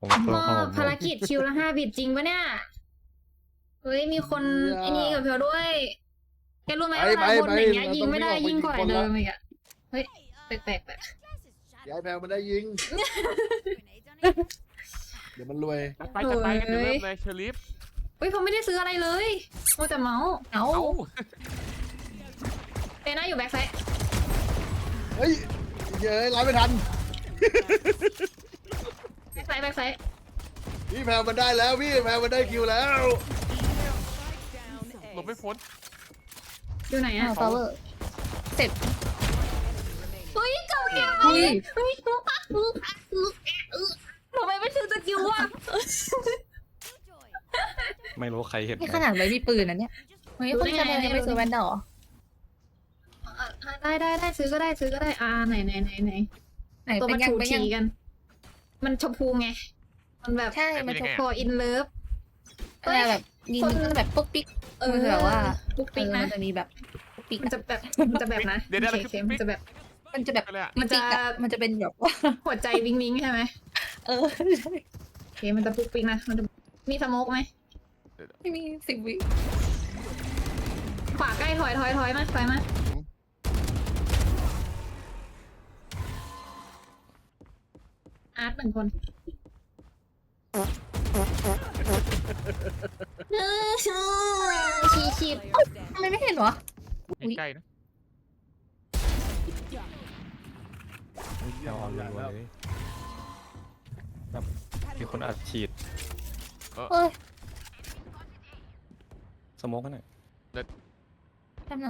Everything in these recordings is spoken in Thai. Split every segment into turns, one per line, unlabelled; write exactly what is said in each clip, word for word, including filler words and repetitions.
ผมเพิ่ม
ก็
ข้าวผม
ภารกิจคิวละห้าบิตจริงปะเนี่ย เฮ้ยมีคนไอ้นี่กับเธอด้วยแกรู้ไหม
ไป
เวลา
ไป
คนอย่างเงี้ย
ไป
ยิงไม่ได้
เราต้อง
ยิงกว่า
วิ่งออกไป
เดิม
ยิงคนละ
อีกอะเฮ้ยแปลกแปลกแปลก
ย้ายแพลมันได้ยิง เดี๋ยวมันรวย
จัดไปจัดไปกันเดี๋ยวเริ่มเลยเชอริฟ
เฮ้ยเขาไม่ได้ซื้ออะไรเลยโอ้แต่เมาส์เอา
เอ้า
เตน่าอยู่แบ็คไซด์
เฮ้ยเย้ยไล่ไม่ทัน
แบ็คไซด์แบ็คไซด์
พี่แพลมันได้แล้วพี่แพลมันได้คิวแล้ว
หลบไม่พ้น
อยู่ไหนอะ
ฟลาวเวอร์เสร็จ
เฮ้ยเก่าแก่
อุ้ย
เฮ้ยทำไมไม่ซื้อสกิลวะ
ไม่รู้ใครเห็น
นี่ขนาดไว้มีปืนนะเนี่ยเฮ้ยคุณชาแนลยังไม่ซื้อแวนดอล
ได้ได้ได้ซื้อก็ได้ซื้อก็ได้อ่าไหนไหนไหนไหน
ไหน
ตัว
เป็
มัน น
ยัง
ถู
เป็นยั
ถี
ง
กัน มันชมพูไง มันแบบ
ใช่มันจะ
พออินเลิฟ
อะไรแบบยิงแบบปุ๊กปิ๊ก
เออ
มันแบบว่า
ปุ๊กปิ๊ก
เออ
นะ
มันจะมีแบบปุ๊กปิ๊ก
มันจะแบบมันจะแบบนะ
เดี๋ยวเดี๋ยว
โอ
เรา
เค
คือ
มันจะแบบ
มันจะแบบ
อะไรอะ
มันจะ
ปิ๊กอะมันจะเป็นแบบว่า
หัวใจวิงวิงใช่ไหม
เออ
โอเคมันจะปุ๊กปิ๊กนะมันจะมีสโมกไหม
ไม่มีสิบวิ
ขวาใกล้ถอยถอยถอยมาถอยมาอาร์ตหนึ่งคนเออชีชีด
ทำไมไม่เห็นวะ
ใกล้ๆนะ
เอาออนเลยแบบมีคนอัดฉีด
เอ้ย
สโมกกันหน่อย
ทำนะ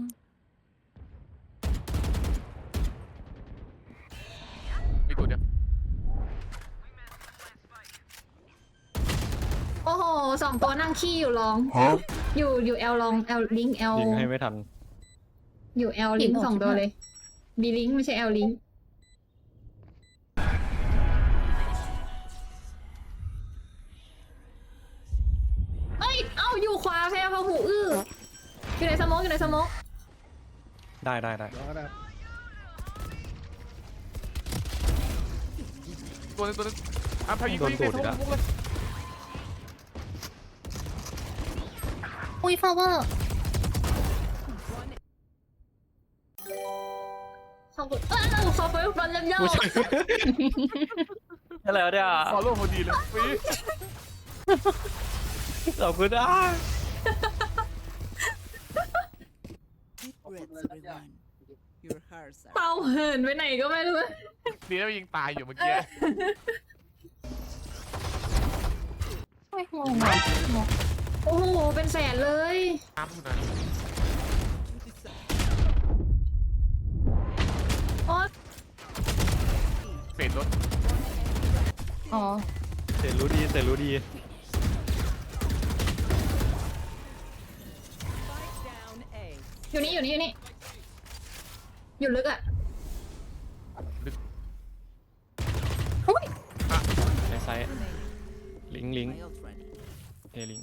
มีตัวเดียว
โอ้โหสองตัวนั่งขี้อยู่ลอง อยู่อยู่แอลลองแอลลิงแอล
ยิงให้ไม่ทัน
อยู่แอลลิงสองตัวเลยบีลิงไม่ใช่แอลลิงเอ้ย เอ้าอยู่ขวาแพ้พะหูอื้ออยู่ในสโมกอยู่ในสโมก
ได้ได้ได้
รอนะ
ตัวนึงตัวนึงอ่ะพายิงตัวยิงเลยทุกทุกเลย
อุ้ยฟลาวเวอร์
ขอบคุณเอ้าขอบคุณฟันเล่มยาว
อะไรวะเนี่ย
ฟอลโล่พอดีเลยฟรี
ขอบคุณอ่ะ
Deep breaths, everyone. Your hearts are
เป่าเหินไปไหนก็ไม่รู้
ดีแล้วยิงตายอยู่เมื่อกี้
ไม่งงอ่ะงง
โอ้โห เป็นแสนเลย
ตามนะ
โอ้
เฟดรถ
อ๋อ
เสร็จรู้ดีเสร็จรู้ดี
down A.
อยู่นี่อยู่นี่อยู่นี่ อยู่ลึกอ่ะ
ในไซส์ลิงก์ลิงก์
My ult ready.
เอลิงก์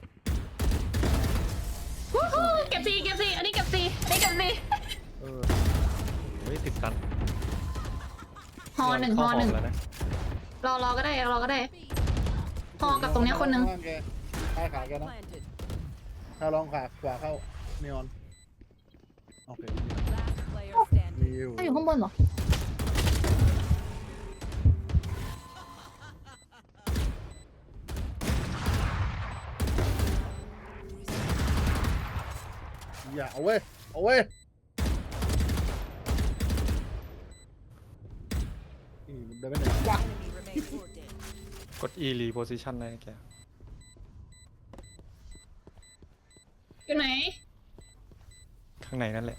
วู้ฮู้เก็บซีเก็บซีอันนี้เก็บซีอันนี้เก็บซี
เออเฮ้ยติดกัน
ฮอหนึ่งฮอหนึ่ง
เข้าแล้วนะ
รอรอก็ได้รอก็ได้ ฮอกับตรงเนี้ยคนหนึ่ง
ข้างแกใต้ขาแกนะ
Planted.
ถ้าลองขาขวาเข้าเนออนโอเค
Last player standing.
มีอยู่
ถ้าอยู่ข้างบนเหรอ
อย่าเอาเว้ยเอาเว้ยนี่มันเดินไปไหนวะ
Enemy remains dead.
กด E reposition ได้แก
อยู่ไหน
ข้างในนั่นแหละ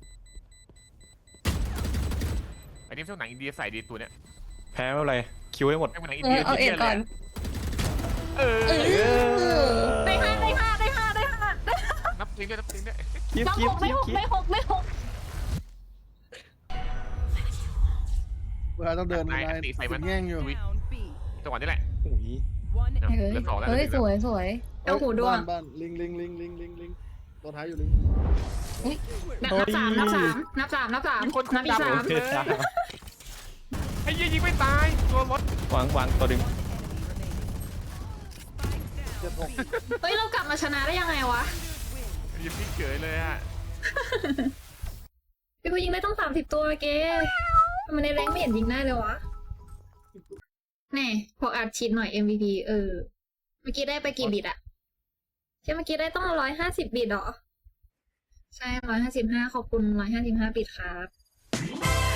อันนี้เป็นหนังอินเดียใส่ดีตัวเนี้ย
แพ้ไม่เป็นไรคิวให้หมด
เป็นหนังอิน
เอ
เดี
อย เอาเอ็ดก่อน
เออ
เออ
ได้ห้าได้ห้าได้ห้าได้ห้า
นับทิ้งด้วยนับทิ้งด้วย
คิว
ต้อง
คิ
ห
ว
กได้
คิว
หก
คิว
ได้หกได้หก
เวลาต้องเดิน
นาย
นาย
ตีใส่มัน
แง่งอยู่
Down B.
จังหวะนี้แหละ
อุ้ย
One
เออ
เฮ้ย
เหลือสองแล้ว
เฮ้ยสวยสวย
เอาหูดวง
บ้านบ้านลิงลิงลิงลิงลิงลิงตัวท้ายอยู่ลิง
นับสามนับสามนับสามนับสาม
มีคน
นับอีก
จับ
สาม
โอเคจ้า
ไอ้ยี่ยิงไม่ตายตัวรถ
วางวางตัวดึง
หก
เฮ้ยเรากลับมาชนะได้ยังไงวะ
ยิงพี่เก๋ยเลยอ่ะ
พี่กูยิงได้ต้องสามสิบตัวเก๋ทำไมในแรงไม่เห็นยิงได้เลยวะแน่พออัดฉีดหน่อย เอ็ม วี พี เออ เมื่อกี้ได้ไปกี่บิตอะใช่เมื่อกี้ได้ต้องร้อยห้าสิบบิตเหรอ ใช่ร้อยห้าสิบห้าขอบคุณร้อยห้าสิบห้าบิตครับ